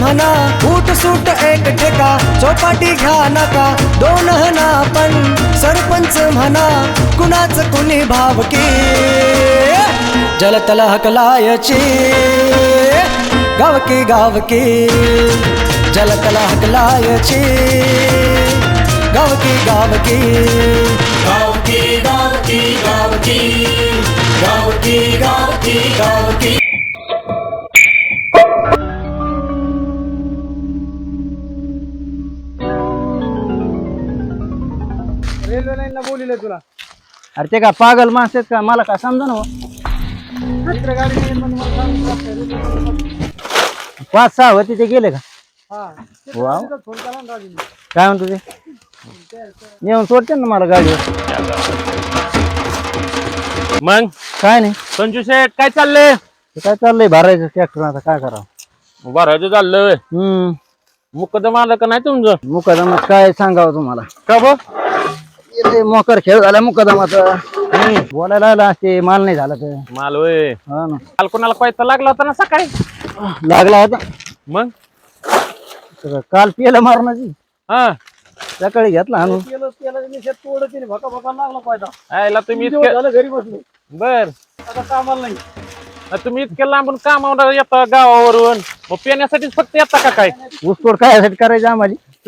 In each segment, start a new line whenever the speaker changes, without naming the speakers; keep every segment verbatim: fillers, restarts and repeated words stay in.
म्हणा फूट सूट एक ठेका चौपाटी घ्या नका दोन हना पण सरपंच म्हणा कुणाच कुणी भावकी जलतल हकलायची गावकी गावकी जलतल हकलायची गावकी गावकी
गावकी गावकी गावकी गावकी गावकी गावकी
रेल्वे लाईनला बोलिले तुला
अरे ते का पागल माणसं आहेत का मला काय समजा ना
इकडे गाडी नाही पण मला सांगून लागतंय, रेल्वे लाईनला.
पाच सहा होते ते गेले का
हा
वाव.
तिथं फोन केला ना राजूने.
काय म्हणतो ते येऊन सोडते ना मला गाडीवर
मग
काय नाही
संजू शेठ काय चाललंय
ते काय चाललंय भरायचं ट्रॅक्टर आता काय करावं
भरायचं चाललंय
हम्म
मुकदम आलं का नाही तुमचं
मुकादमात काय सांगावं तुम्हाला
का बघ
ते मोकर खेळ झाला मुकादमाचा बोलायला लागला असते माल नाही झाला तर
माल होय
हा ना
काल कोणाला पैसा लागला होता ना सकाळी
लागला होता
मग
तर काल पियाला मारणाची
हा
सकाळी घेतला आणून
केलं केलं मी शेत तोडत तिने भका भका लागला पाहिजे
आयला तुम्ही
दिवस
इतके
झालं घरी बसलो
बर
आता कामाला नाही
तुम्ही इतके लांबून कामावर येता गावावरून मग पिण्यासाठीच फक्त येता का काय
ऊसतोड काय करायची आम्हाला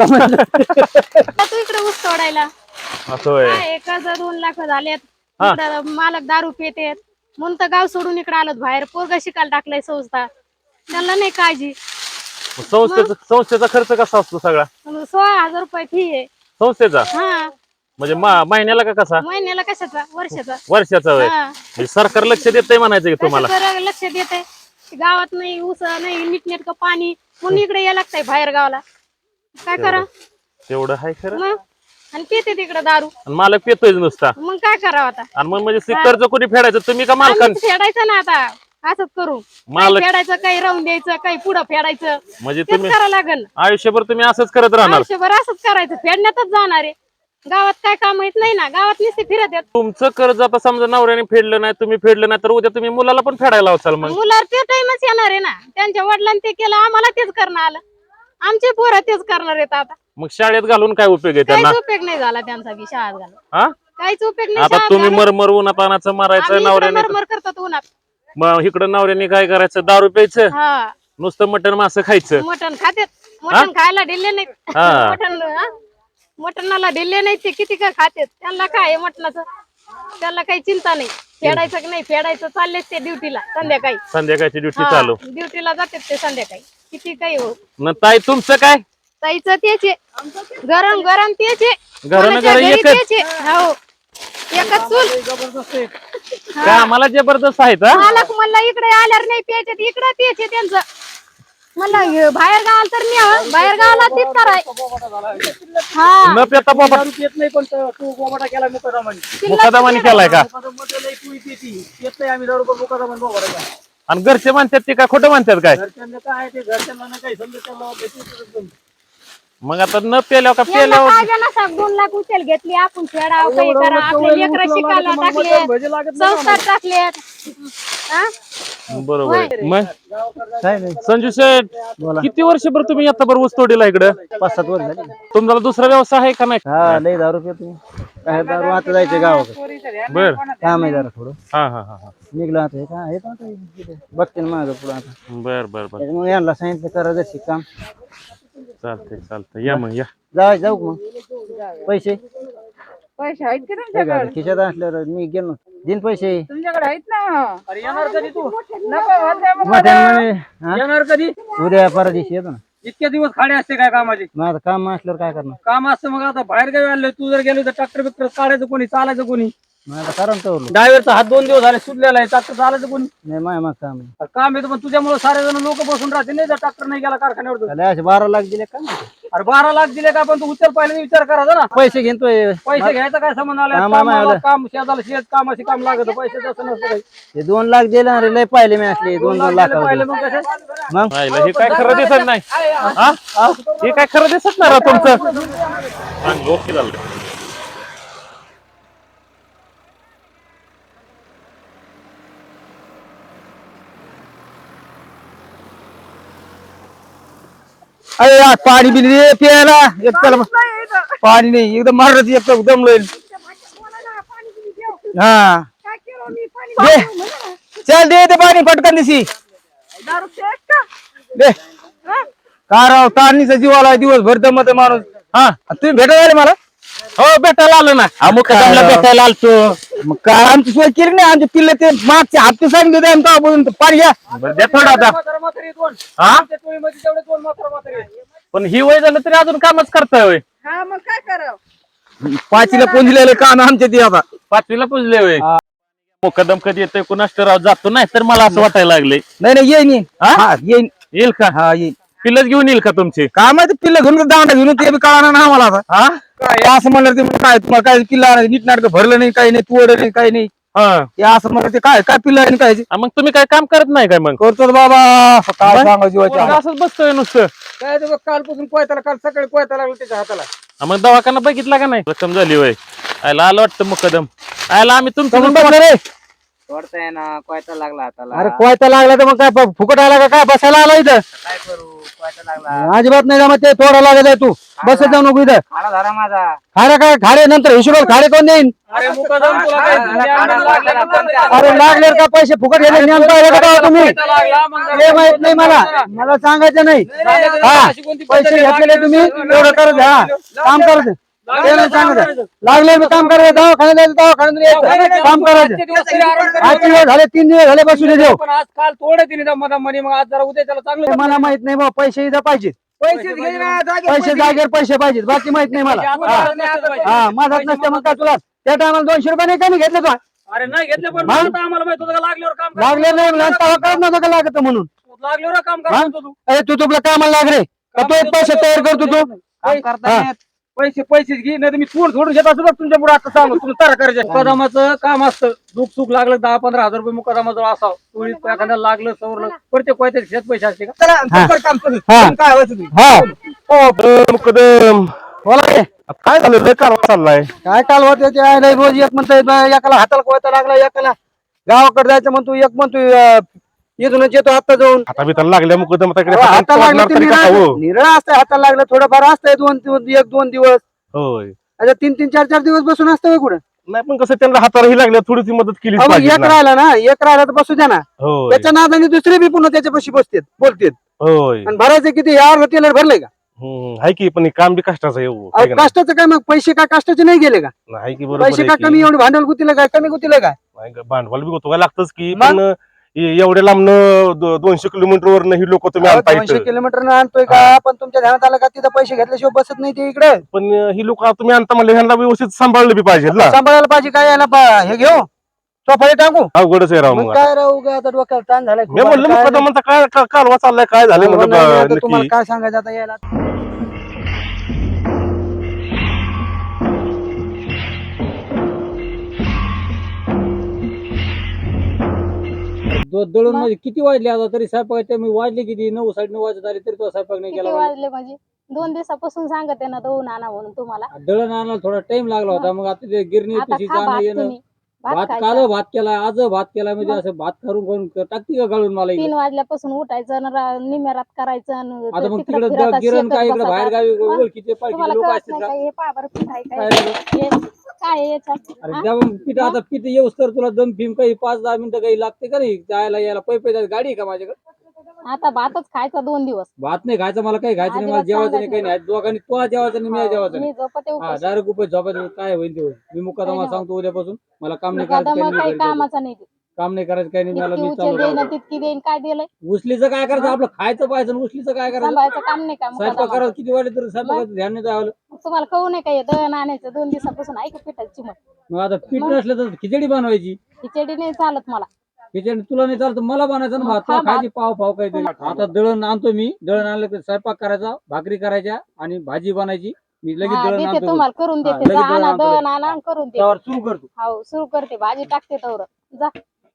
आता तू इकडे ऊस तोडायला
असं होय
काय एक हजार दोन लाख झालेत इकडं मालक दारू पितेत म्हणून तर गाव सोडून इकडे आलोत बाहेर पोरगा शिकायला टाकलाय संस्था त्याला नाही काळजी
मग संस्थेचा संस्थेचा खर्च कसा असतो सगळा
मग सोळा हजार रुपये फी आहे
संस्थेचा
हा
म्हणजे मा- महिन्याला का कसा
महिन्याला कशाचा वर्षाचा
वर्षाचा होय
हा.
म्हणजे सरकार लक्ष देतंय म्हणायचं की तुम्हाला
कशाचं लक्ष देते गावात नाही ऊस नाही नीटनेटकं पाणी म्हणून इकडे यायला लागतंय बाहेर गावाला काय करा
तेवढं आहे खरं
मग आणि पिते तिकडे दारू
आणि मालक पितोय नुसता
मग काय करावं आता
आणि मग म्हणजे ते कर्ज कोणी फेडायचं तुम्ही का मालकान
आम्हीच फेडायचं ना आता असंच करू काही
मालक
फेडायचं काही राहून द्यायचं काही पुढं फेडायचं
म्हणजे
तेच
तुम्ही
करावं लागेल
आयुष्यभर तुम्ही असंच करत राहणार
आयुष्यभर असंच करायचं फेडण्यातच जाणार आहे गावात काय काम येत नाही ना गावात नुसते फिरत येत
तुमचं कर्ज आता समजा नवऱ्याने फेडलं नाही तुम्ही फेडलं नाही तर उद्या तुम्ही मुलाला पण फेडायला लावचाल मग
मुलावर ते टाइमच येणार आहे ना त्यांच्या वडिलांनी ते केलं आम्हाला तेच करणं आलं आमचे पोरं तेच करणार आहेत आता
मग शाळेत घालून काय उपयोग आहे त्यांना
काहीच उपयोग नाही झाला त्यांचा बी शाळेत घालून
हा
काहीच उपयोग नाही
आता
शाळेत
तुम्ही
घालून.
मरमर उन्हात आणायचं मारायचं
आम्ही इकडं
नवऱ्याने
मरमर करतात उन्हात
मग इकडं नवऱ्याने काय करायचं दारू प्यायचं
हा
नुसतं मटण मासं खायचं
मटण खातेत मटण खायला दिले नाहीत
हा.
मटण हा? मटणाला दिले नाही ते किती का खातेत त्यांना काय आहे मटणाचं त्यांना काही चिंता नाही फेडायचं की नाही फेडायचं चाललेच ते ड्युटीला संध्याकाळी
संध्याकाळची ड्युटी चालू
ड्युटीला जातात ते संध्याकाळी किती काही हो
न ताई तुमचं काय
ताईचं तेच आहे गरम गरम तेच आहे
घरानं
कोणाच्या
घर
घरी
एकच.
तेच आहे. हो एकच चूल
जबरदस्त आहे
काय आम्हाला जबरदस्त आहेत हा
मालक म्हणला इकडे आल्यावर नाही प्यायचे इकडे तेच आहे त्यांचं म्हणलं हे बाहेर गावाला तर नाही बाहेर गावाला तीच कराय हा
न पेता बाबा
दारू पित नाही पण त- तू बोबाटा केला मुकादामाने
मुकादमाने केलाय का
मुकादमामध्ये लई पुळी पिती येत नाही आम्ही दारू पण मुकादामाने बोबाटा केला.
आणि घरचे म्हणतात ते काय खोटं म्हणतात काय
घरच्यांना काय आहे ते घरच्यांना नाही काही समजत त्यांना भीती एकदम.
मग आता न पेल्यावर का
यांना
पेल्यावर
काय जण असा दोन लाख उचल घेतली आपण फेडाव काही
एवढं
करा
एवढं
आपले
एवढं
लेकरं
उचलावं
शिकायला
लागतं, मग
टाकले
भजी लागत नाही
संस्कार टाकलेत हा?
बरोबर आहे. मग
काय नाही
संजू शेठ किती वर्षभर तुम्ही आता बरोबर ऊस तोडीला इकडं
पाच सात वर्ष झाली
तुम्हाला दुसरा व्यवसाय आहे का नाही
हा लय दारू पितो काय दारू आता जायचं गावाकडे
बर
काम आहे जरा थोडं
हा हा हा हा
निघलं आता हे काय हे आता इथे बघते ना माझं पुढं आता
बर बर बर
त्याच्यामुळे यांना सांगितलं करा जशी काम
चालतंय चालतंय या मग या
जाऊ जाऊ का मग पैसे
पैसे आहेत की
हे
तुमच्याकडे
का, खिशात असल्यावर मी गेलो दिन पैसे
तुमच्याकडे आहेत ना
अरे येणार कधी तू
नको होते मग
मटण म्हणे, हा?
येणार कधी
उद्या परवा दिवशी येतो ना
इतके दिवस खाडे असते काय कामाचे
मग आता काम असल्यावर काय करणार
काम असतं मग आता बाहेर गावी आले तू जर गेलो तर ट्रॅक्टर बिक्टर काढायचं कोणी चालायचं कोणी
मग आता कारण तर
ड्रायव्हरचा हात दोन दिवस झाले सुटलेला आहे ट्रॅक्टर चालायचं कोणी
नाही माय मग काम आहे
अरे काम येतं पण तुझ्यामुळे सारे जण लोक बसून राहते नाही जर ट्रॅक्टर नाही गेला कारखान्यावर तर.
त्याला असे बारा लाख दिले का
अरे बारा लाख दिले का पण तू उचल पाहिजे विचार करायचा ना
पैसे घेतोय
पैसे घ्यायचा काय संबंध आला
आम्हाला
कामाला
माहिती.
काम शेताला शेत कामाशी काम लागत पैसे तसं नसतं काही
ते दोन लाख दिले ना रे लय पाहिले मी असले दोन दोन लाख
पाहिलं मग कसं
मग
राहिलं. हे काय खरं दिसत नाही हा? हे काय खरं दिसत नाही राव तुमचं चांगलं, ओके झालं
अरे यार, पाणी बिनी दे प्यायला एक चला पाणी नाही एकदम मारत एकदम दमलोय हा दे चल दे ते पाणी पटकन दिसी दे का राव तारणीचा जीवाला दिवसभर दमत माणूस हा तुम्ही भेटायला आले मला
हो भेटायला आलो ना हा मुक्कादमला भेटायला आलतो
मग काय आमची सोय केली नाही आमचे पिल्ले ते मागचे हप्ते सांगितले होते आमचा बोलून पाणी घ्या
बरं, द्या थोडा आता
म्हातारं म्हातारी दोन
हा
आमच्या टोळीमध्ये तेवढे दोन म्हातारं म्हातारी आहेत.
पण ही वय झालं तरी अजून कामच करताय होय
हा मग काय करावं
पाचीला पुंजलेले कान आमचे ते आता
पाचवीला पुजले होय मुक्कादम कधी येतोय कुणास राव जातो नाही तर मला असं वाटायला लागलंय
नाही नाही येईन येईन
हा?
हा येईन
येईल का
हा येईन
पिल्लच घेऊन येईल का तुमची
काय माहिती पिल्लं घेऊन दांडा घेऊन ते बी कळणार ना आम्हाला आता
हा
काय असं म्हणलं ते काय तुम्हाला काय किल्ला नीट नाटक भरलं नाही काही नाही तुवड नाही काही नाही
हा
हे असं म्हणलं ते काय काय पिल्ला आणि काय
आ, मग तुम्ही काय काम करत नाही काय मग
करतो रे बाबा काय सांगा जीवाची
पोरगं असंच बसतोय नुसतं
काय ते बघ, कालपासून कोयताला काल सकाळी कोयता लागला त्याच्या हाताला
आ, मग दवाखाना बघितला का नाही रक्कम झाली होय आयला आलं वाटतं मुकदम आयला आम्ही तुमचं
समजून बसलं रे
सोडताय ना कोयता लागला हाताला.
अरे कोयता लागला तर मग काय प- फुकट आला का काय बसायला आला इथं
काय करू कोयता लागला
अजिबात नाही जमत ते थोडा लागत आहे तू बसत जाऊ नको इथं
खाडा धरा माझा.
खारे काय खारे नंतर हिशोबात खारे कोण देईन
अरे मुकादम तुला काय ज्ञान लागलं का तुला?
अरे लागले का पैसे फुकट गेले ज्ञान पाहिलं का तुम्ही
कोयता लागला, मग
हे माहित नाही मला मला सांगायचं नाही हा पैसे घेतलेले तुम्ही एवढं करत हा काम करत ते नाही सांगायचं लागले मी काम करायचं दवाखान्यात जायचं दवाखान्यात यायचं काम करायचं
आजचे दिवस तरी आराम कर.
आजचे दिवस झाले तीन दिवस झाले बसून देऊ
पण आज काल थोडे तिने दमा म्हणे मग आज जरा उद्या त्याला चांगलं
मला माहित नाही बा पैसे इथं पाहिजे पैसे जागेवर पैसे पाहिजेत बाकी माहित नाही मला हा हा माझाच नसते मग काय तुला त्या टायमाला दोनशे रुपये नाही का नाही घेतले तुला
अरे नाही घेतले पण
मग?
आता आम्हाला माहित होतं का लागल्यावर काम करायचं.
लागले नाही म्हणून तेव्हा कळत नव्हतं का लागत म्हणून
लागल्यावर काम
हा?
करतो तू
अरे तू तुला कामाला लाग रे का तो एक पैसे तयार करतो तू
काम करता
हा.
येत.
पैसे पैसेच घे नाही तर मी चोर सोडून घेत असतो बघ तुमच्या पुढे आता सांगू तुम्ही तारा करायचं मुकादमाचं काम असतं दुःख सुख लागलं दहा पंधरा हजार रुपये मुकादमाचं असावं टोळीत एखाद्याला लागलं सवरलं प्रत्येक पैसे शेत पैसे असते का
हा. हा. हा.
मुकदम
बोला रे.
काय झालं लय कारवा चाललाय
काय काल होते ते आहे, रोज एक म्हणतोय बा, एकाला हाताला कोयता लागला एकाला गावाकडे जायचं म्हणतो एक म्हणतोय अं, इथूनच येतो हाता जाऊन
आता बी त्याला लागल्या मुकदम आता इकडे
हाताला लागलं
पकडणार
ते
तरी कसा हो?
निरळ असतंय हाताला लागलं थोडंफार असतंय दोन दिवस एक दोन दिवस
होय
आता तीन तीन चार चार दिवस बसून असतंय कुठं
नाही पण कसं त्यांना हातालाही लागल्या थोडीशी मदत केली
अहो,
पाहिजे
एक
ना.
राहिला ना एक राहिला तर बसू द्या ना
होय
त्याच्या नादाने दुसरे बी पुन्हा त्याच्यापाशी बसतेत बोलतेत
होय
आणि भरायचे किती यार टेलर भरले का
हम्म, हाय की पण हे काम बी कष्टाचं आहे हो. हाय
अहो,
का नाही?
कष्टाचं काय मग पैसे काय कष्टाचे नाही गेले का
नाही की बरोबर
पैसे
आहे
काय
की.
कमी एवढे भांडवल गुतीला काय कमी गुतीला काय
नाही ग, भांडवल बी होतो का लागतच की
मग?
पण ए- एवढ्या लांबनं दो- दोनशे किलोमीटर वर ही लोक तुम्ही
अहो,
आणता
दोनशे
इथं.
किलोमीटर आणतोय का पण तुमच्या ध्यानात आलं का तिथं पैसे घेतल्याशिवाय बसत नाही ते इकडे
पण ही लोक तुम्ही आणता म्हणले ह्यांना व्यवस्थित सांभाळलं बी पाहिजे ना
सांभाळायला पाहिजे काय याला बा- हे घेऊ चोफाळे टाकू
अवघडच आहे राव
मग
मग
काय राहू गा आता डोक्याला ताण झालाय खूप.
मी म्हणलं
आता काय
मुकदमाचा काय का- कालवा चाललाय काय झालं
नाही,
म्हणलं
नाही,
बा-
आता तुम्हाला
नक्की
काय सांगायचं आता यायला
दो- दळून म्हणजे किती वाजले आता तरी स्वयंपाकाच्या मी वाजले किती नऊ साडे नऊ वाजत आले तरी तो स्वयंपाक नाही
किती
केला
वाजले म्हणजे दोन दिवसापासून सांगत आहे ना दोन आणा म्हणून तुम्हाला
दळण आणायला थोडा टाइम लागला होता मग आता ते गिरणी
आता
पिशी
खा
जाणं
भात
येणं
तुम्ही भात
भात
खायचा.
काल भात केला आज भात केला म्हणजे असं भात करून करून टाकती का गाळून मला इकडे?
तीन वाजल्यापासून उठायचं न रा- निम्यारात करायचं न
आता मग
तिकडं
तिकडे
फिरत
गिरण
शेतात
काय इकडे
बसतात.
बाहेर गावी
मग
ओळखीचे पाळखीचे
तुम्हाला
लोक
कळत
असतात
नाही
का?
काय हे पहा बरं पीठ आहे काय
काय झालं?
हे काय आहे याच्यात
अरे
हा?
तेव्हा पीठ आता पीठ येऊस तर तुला दम फिम काही पाच दहा मिनिटं काही लागते का नाही जायला यायला पै पै जायला गाडी आहे का माझ्याकडे
आता भातच खायचा दोन दिवस
भात नाही खायचं मला काही खायचं नाही मला
अजिबात
जेवायचं नाही काही
सांगायचं
नाही दोघांनी तो जेवायचं नाही मी जेवायचं नाही
मी झोपते
हा
उपाशी.
डायरेक्ट उपाय झोपायचं काय होईल ते होईल मी मुकादमा
नाही
सांगतो उद्यापासून मला काम नाही करायचं
मुकादमा
काही नाही
काही
घरी
कामाचा नाही
जायचं. काम नाही करायचं काही नाही मला
इतकी
मी
उचल
चालू
देईन
राहतो.
तितकी देईन काय दिलंय
उचलीचं काय करायचं आपलं खायचं पाहिजे आणि उचलीचं काय करायचं
सांभाळायचं काम नाही का
स्वयंपाक
मुकादमा
करायचं किती वाटले तरी स्वयंपाकाचं ध्यान नाही द्यावं
तुम्हाला कळू नये काय दळण आणायचं दोन दिवसापासून ऐक पिठाची मग
मग आता पीठ नसलं तर खिचडी बनवायची
खिचडी नाही चालत मला
खिचडी तुला नाही चालत मला बनायचं ना
मग
भात
खा
तुला खायची पाव पाव काहीतरी आता दळण आणतो मी दळण आणलं तर स्वयंपाक करायचा भाकरी करायच्या आणि भाजी बनायची मी लगेच
हा,
दळण
देते
आणतो
तुम्हाला करून
हा,
देते
लगेच
जा
दळण
आणा
आणतो.
दळण आणा आणि करून देते
त्यावर सुरू करतो
हो सुरू करते भाजी टाकते तवर जा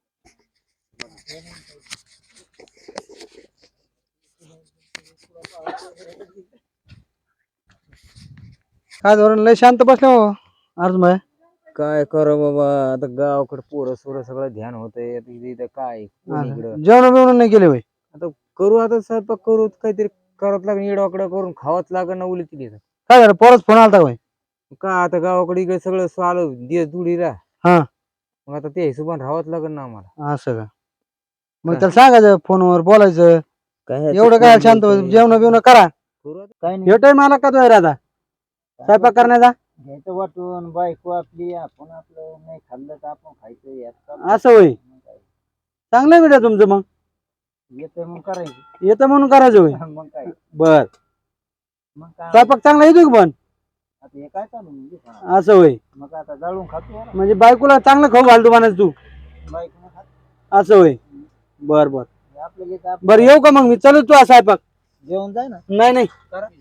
काय धोरण लय शांत बसले हो अर्ज मग
काय करू बाबा आता गावाकडे पोरं सोरं सगळं ध्यान होतंय आता इथं इथं काय कोण इकडं
जेवण बिवण नाही केले होय
आता करू आता स्वयंपाक करू काहीतरी करावंच लागेल, इडवाकडं करून खावंच लागेल ना उली तिथे.
काय झालं पोरच फोन आलता होय?
का आता गावाकडे इकडे सगळं आलं दिवस दुडीला.
हा.
मग आता ते हिशोबाने राहावंच लागेल ना आम्हाला.
असं का? मग त्याला सांगायचं फोनवर बोलायचं.
काय
एवढं काय शांत जेवण बिवणं करा.
काय
ह्यो टाइम आला का तो आता स्वयंपाक करण्याचा?
घ्यायचं वाटून बायको आपली, आपण आपलं नाही खाल्लं तर आपण खायचं.
असं होय. चांगलं बेटा तुमचं. मग
येतं मग करायचं.
येतं म्हणून करायचं होय.
मग काय
बर.
मग काय
स्वयंपाक चांगला येतो की पण?
आता हे काय चालू म्हणजे
असं होय.
मग आता जाळून खातो
म्हणजे बायकोला चांगलं खाऊ घालतो म्हणायचं तू.
बायको खात
असं होय. बर बर
आपलं घेत
बर येऊ का मग मी? चल तू स्वयंपाक.
जेवण जाय ना.
नाही नाही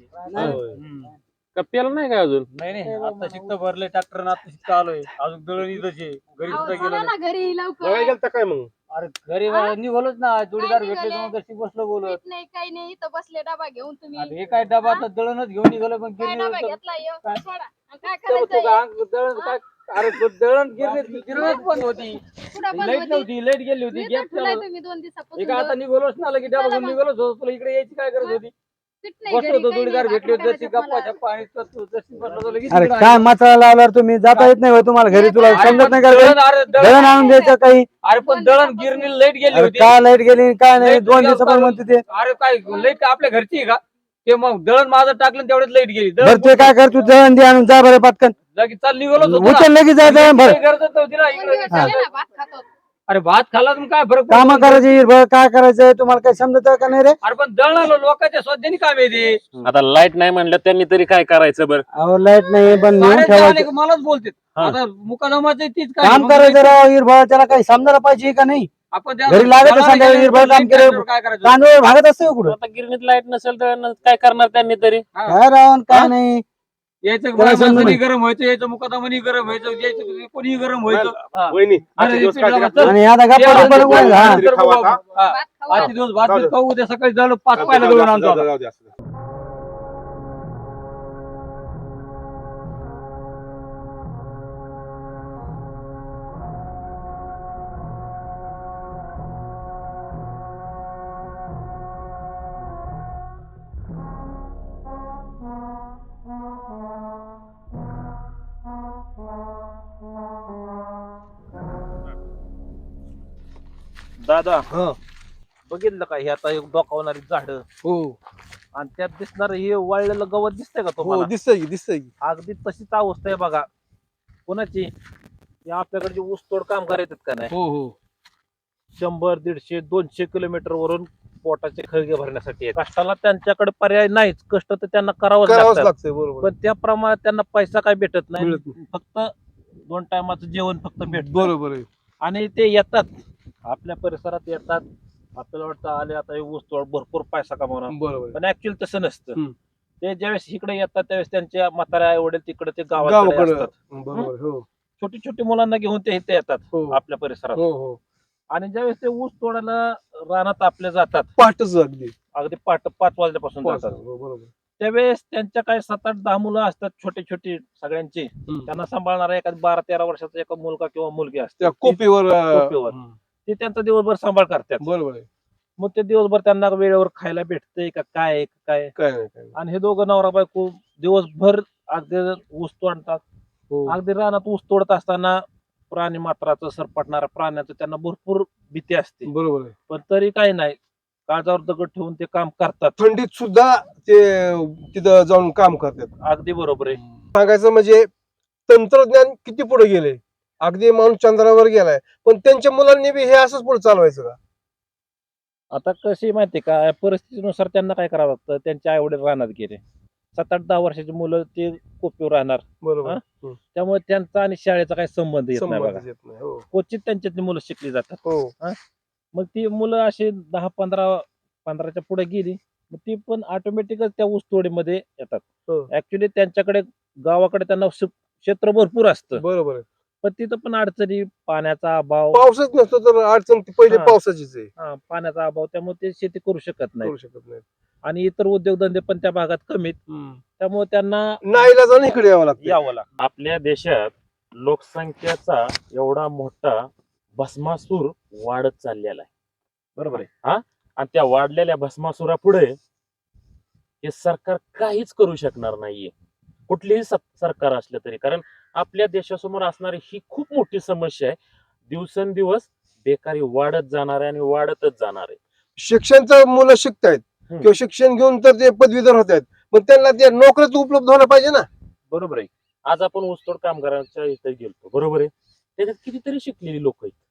कप्प्याला नाही काय अजून?
नाही नाही आता शिकत भरले ट्रॅक्टर आता शिकत आलोय अजून दळण इथंच आहे. घरी
अहो,
सुद्धा
चला
गेलो
ना घरी लवकर.
बघायला गेलता काय मग?
अरे घरी निघालोच ना जोडीदार
काय
भेटले
निघाले?
मग कशी बसलो बोलत.
पीठ नाही काही नाही इथं बसले डबा घेऊन तुम्ही.
आता हे काय डबा आता दळणच घेऊन निघालो पण
काय डबा
गिरणी
घेतला ह्यो?
काय?
सोडा. आणि काय
तो
करायचं
का अंग दळण काय अरे तो दळण गिरणी गिरणच बंद होती.
कुठं बंद
लाईट
होती?
नव्हती लाईट गेली होती
मी तर
गॅस
ठेवलाय
चालू.
तुम्ही दोन दिवसापासून
एक आता
दळून.
निघालोच ना लगे डबा
चला
घेऊन
मग.
निघालोच होतो. तुला इकडे यायची काय गरज होती?
पीठ नाही
बसलो
घरी,
होतो
काही
जोडीदार
नाही,
भेटले
भाकरी
जशी
करायच्यात
गप्पा
मला.
छप्पा आणि तो- तो जशी बसलो होतो लगेच
अरे
इकडे
काय
आलो.
मसाला लावल्यावर तुम्ही जाता येत नाही होय तुम्हाला घरी? तुला
अरे
समजत
पण
नाही का?
दळण अरे दळण
दळण आणून द्यायचं काही?
अरे पण दळण गिरणी लाईट गेली
अरे
होती.
का लाईट गेली काय नाही?
लाईट
दोन
गेली
दिवसापासून
होती.
म्हणते ते.
अरे काय लाईट आपल्या घरची आहे का? ते मग दळण माझं टाकलं तेवढ्यात लाईट गेली.
बर
दळण
ते काय कर, तू दळण दे आणून जा बरं पटकन.
लगेच चाल निघालोच होतो ना.
उचल लगेच जा दळण भर.
काही गरजच नव्हती ना
दोन
इकडे.
दिवस झाले ना, भात खातो.
अरे भात खाल्ला तर काय फरक
काम
पडतो?
करायची हिरभर काय करायचं तुम्हाला काही समजत का नाही रे?
अरे पण दळण लोकांच्या स्वतःनी काम येते.
आता लाईट नाही म्हणलं त्यांनी तरी काय करायचं बरं?
अहो लाईट नाही पण नेऊन
साऱ्याचे
ठेवायचं.
अनेक मलाच बोलते
हा.
आता मुकादमाचं तीच काय
काम
मग
करायचं राव हिरभर, त्याला काही समजायला पाहिजे का नाही?
आपण त्याला-
घरी लागत
त्याला
संध्याकाळी
गेलं,
हिरभर काम
लाईट
केलं.
लागल्यावर काय करायचं?
तांदूळ भागत असते कुठं?
आता गिरणीत लाईट नसेल तर काय करणार त्यांनी तरी?
काय राहून काय नाही.
यायचं
त्याला
बाया
समजून
माणसानी
नाही.
गरम व्हायचं, यायचं मुकादमानी गरम व्हायचं, यायचं कोणी गरम व्हायचं. हा.
वहिनी
अरे
आजचे दिवस
इथे
काढले
जरा
का?
चल.
आणि आता गप्पा
ते
टप्पा नको
आज-
हा.
आज-
तरी खाऊ आता.
हा.
भात खावा.
आजचे दिवस भात
जाऊ दे.
बीत खाऊ, उद्या सकाळी झालं पाच
जाऊ दे,
पायला
जाऊ
दळून
दे,
आणतो
जाऊ दे,
आता.
जाऊ दे, असू दे.
दादा बघितलं का हे आता एक डोकावणारी झाड
हो
आणि त्यात दिसणार हे वाळलेलं गवत दिसतंय का
हो
तुम्हाला?
दिसतंय की दिसतंय की.
अगदी तशीच अवस्था आहे बघा. कोणाची? हे आपल्याकडे जे ऊसतोड कामगार येतात का नाही,
हो हो
शंभर दीडशे दोनशे किलोमीटर वरून पोटाचे खळगे भरण्यासाठी येतात. कष्टाला त्यांच्याकडे पर्याय नाहीच, कष्ट तर त्यांना करावंच
करावंच
लागतात.
लागतंय बरोबर.
पण त्या प्रमाणात त्यांना पैसा काय भेटत नाही.
मिळत नाही.
फक्त दोन टायमाचं जेवण फक्त भेटत
बरोबर आहे.
आणि ते येतात आपल्या परिसरात येतात. आपल्याला वाटतं आले आता हे ऊस तोड भरपूर पैसा कमावणार,
बरोबर आहे.
पण ऍक्च्युअली तसं नसतं.
हम्म.
ते ज्यावेळेस इकडे येतात त्यावेळेस त्यांच्या म्हाताऱ्या आई वडील तिकडे ते गावाकडे
गावाकडे
असतात.
बरोबर आहे. हो
छोटी छोटी मुलांना घेऊन ते इथे येतात
हो
आपल्या परिसरात.
हो हो
आणि ज्यावेळेस ते ऊस तोडायला रानात आपले जातात,
पाठच अगदी
अगदी पाठ पाच वाजल्यापासून
पाच,
जातात,
हो, बरोबर.
त्यावेळेस त्यांच्या काही सात आठ दहा मुलं असतात छोटी छोटी सगळ्यांची.
हम्म.
त्यांना सांभाळणारा एखादा बारा तेरा वर्षाचा एक मुलगा किंवा मुलगी असते.
त्या कोपीवर अं,
कोपीवर.
हम्म.
ते त्यांचा दिवसभर सांभाळ करतात.
बरोबर आहे.
मग ते दिवसभर त्यांना वेळेवर खायला भेटतंय का काय आहे, काय आहे?
काय नाही काय नाही.
आणि हे दोघं नवरा बायको दिवसभर अगदी ऊस तोडतात.
हो
अगदी रानात ऊस तोडत असताना प्राणी मात्राचं सरपटणाऱ्या प्राण्याचं त्यांना भरपूर भीती असते,
बरोबर आहे.
पण तरी काही नाही, काळजावर दगड ठेवून ते काम करतात.
थंडीत सुद्धा ते तिथं जाऊन काम करतात.
अगदी बरोबर आहे.
सांगायचं म्हणजे तंत्रज्ञान किती पुढे गेले. अगदी माणूस चंद्रावर गेलाय, पण त्यांच्या मुलांनी बी हे असंच पुढे चालवायचं का?
आता कशी माहितीये का, परिस्थितीनुसार त्यांना काय करावं लागतं. त्यांच्या आई वडील रानात गेले, सात आठ दहा वर्षाची मुलं ते कोपीवर राहणार,
बरोबर
हा?
हम्म.
त्यामुळे त्यांचा आणि शाळेचा काही संबंध येत नाही बघा.
संबंधच येत नाही. हो
क्वचित त्यांच्यातली मुलं शिकली जातात.
हो
मग ती मुलं अशी दहा पंधरा पंधराच्या पुढे गेली, मग ती पण ऑटोमॅटिकच त्या ऊसतोडीमध्ये येतात.
हो.
ऍक्च्युली त्यांच्याकडे गावाकडे त्यांना श- क्षेत्र भरपूर असतं,
बरोबर आहे.
पण तिथं पण अडचणी, पाण्याचा अभाव,
पावसच नसतो तर अडचण ती पहिले
हा.
पावसाचीच आहे.
हा, पाण्याचा अभाव, त्यामुळे ते शेती करू शकत नाही.
करू शकत नाही.
आणि इतर उद्योगधंदे पण त्या भागात कमीत, त्यामुळे त्यांना
नाईला जाऊन इकडे यावं लागतं.
यावं लागतं.
आपल्या देशात लोकसंख्येचा एवढा मोठा भस्मासूर वाढत चाललेला आहे, बरोबर आहे हा. आणि त्या वाढलेल्या भस्मासुरापुढे हे सरकार काहीच करू शकणार नाहीये, कुठलीही सत- सरकार असलं तरी. कारण आपल्या देशासमोर असणारी ही खूप मोठी समस्या आहे. दिवसेंदिवस बेकारी वाढत जाणार आहे आणि वाढतच जाणार आहे.
शिक्षणचं मुलं शिकतायत
हम्म.
किंवा शिक्षण घेऊन तर ते पदवीधर होत आहेत, पण त्यांना ते नोकरीच उपलब्ध व्हायला पाहिजे ना.
बरोबर आहे. आज आपण ऊसतोड कामगारांच्या इथे गेलतो, बरोबर आहे. त्याच्यात कितीतरी शिकलेली लोक आहेत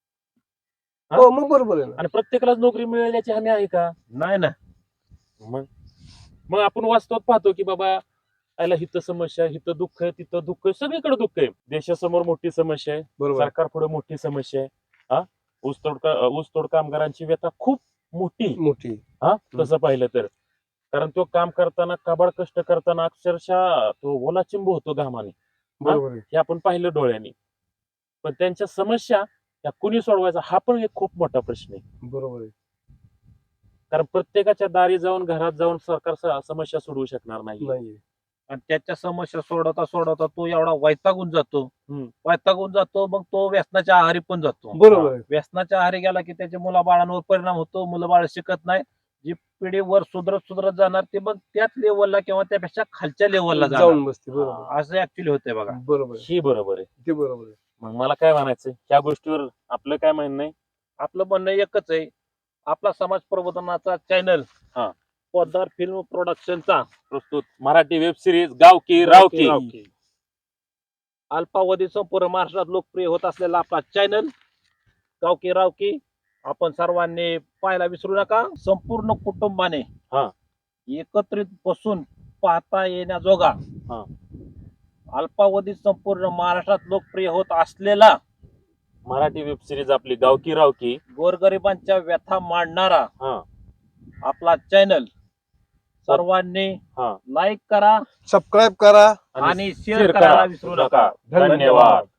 हा?
हो मग बरोबर आहे ना.
आणि प्रत्येकालाच नोकरी मिळेल याची हमी आहे का?
नाही ना.
मग मग आपण वास्तवात पाहतो की बाबा याला हिथं समस्या आहे, हिथं दुःख आहे, तिथं दुःख आहे, सगळीकडे दुःख आहे. देशासमोर मोठी समस्या आहे,
बरोबर
सरकार पुढे मोठी समस्या आहे. हा ऊसतोड का- ऊसतोड कामगारांची व्यथा खूप मोठी
मोठी.
हा तसं पाहिलं तर. कारण तो काम करताना काबाड कष्ट करताना अक्षरशः तो ओलाचिंब होतो घामाने,
बरोबर आहे.
हे आपण पाहिलं डोळ्यांनी. पण त्यांच्या समस्या त्या कुणी सोडवायचा हा पण एक खूप मोठा प्रश्न आहे.
बरोबर आहे.
कारण प्रत्येकाच्या दारी जाऊन घरात जाऊन सरकार स- समस्या सोडवू शकणार नाही.
नाहीये.
आणि त्याच्या समस्या सोडवता सोडवता तो एवढा वैतागून जातो
हम्म.
वैतागून जातो मग तो व्यसनाच्या आहारी पण जातो.
बरोबर आहे.
व्यसनाच्या आहारी गेला की त्याच्या मुलाबाळांवर परिणाम होतो, मुलं बाळ शिकत नाही. जी पिढी वर सुधरत सुधरत जाणार ते मग त्याच लेवलला किंवा त्यापेक्षा खालच्या लेवलला
जाऊन बसते. बरोबर आहे.
असं ऍक्च्युली होतंय बघा.
बरोबर आहे.
ही बरोबर आहे.
ते बरोबर आहे.
मग मला काय म्हणायचं ह्या गोष्टीवर आपलं काय म्हणणं आहे?
आपलं म्हणणं एकच आहे, आपला समाज प्रबोधनाचा चॅनल
हा.
पोद्दार फिल्म प्रोडक्शनचा
प्रस्तुत मराठी वेब सिरीज गावकी रावकी
रावकी. अल्पावधी संपूर्ण महाराष्ट्रात लोकप्रिय होत असलेला आपला चॅनल गावकी रावकी आपण सर्वांनी पाहायला विसरू नका. संपूर्ण कुटुंबाने
हा.
एकत्रित बसून पाहता येण्याजोगा
हा.
अल्पावधीत संपूर्ण महाराष्ट्रात लोकप्रिय होत असलेला
मराठी वेब सिरीज आपली गावकी रावकी
गोरगरिबांच्या व्यथा मांडणारा
हा
आपला चॅनल सर्वांनी
हा
लाईक करा
सबस्क्राईब करा.
आणि शेअर
शेअर
करायला
करा.
विसरू नका.
धन्यवाद.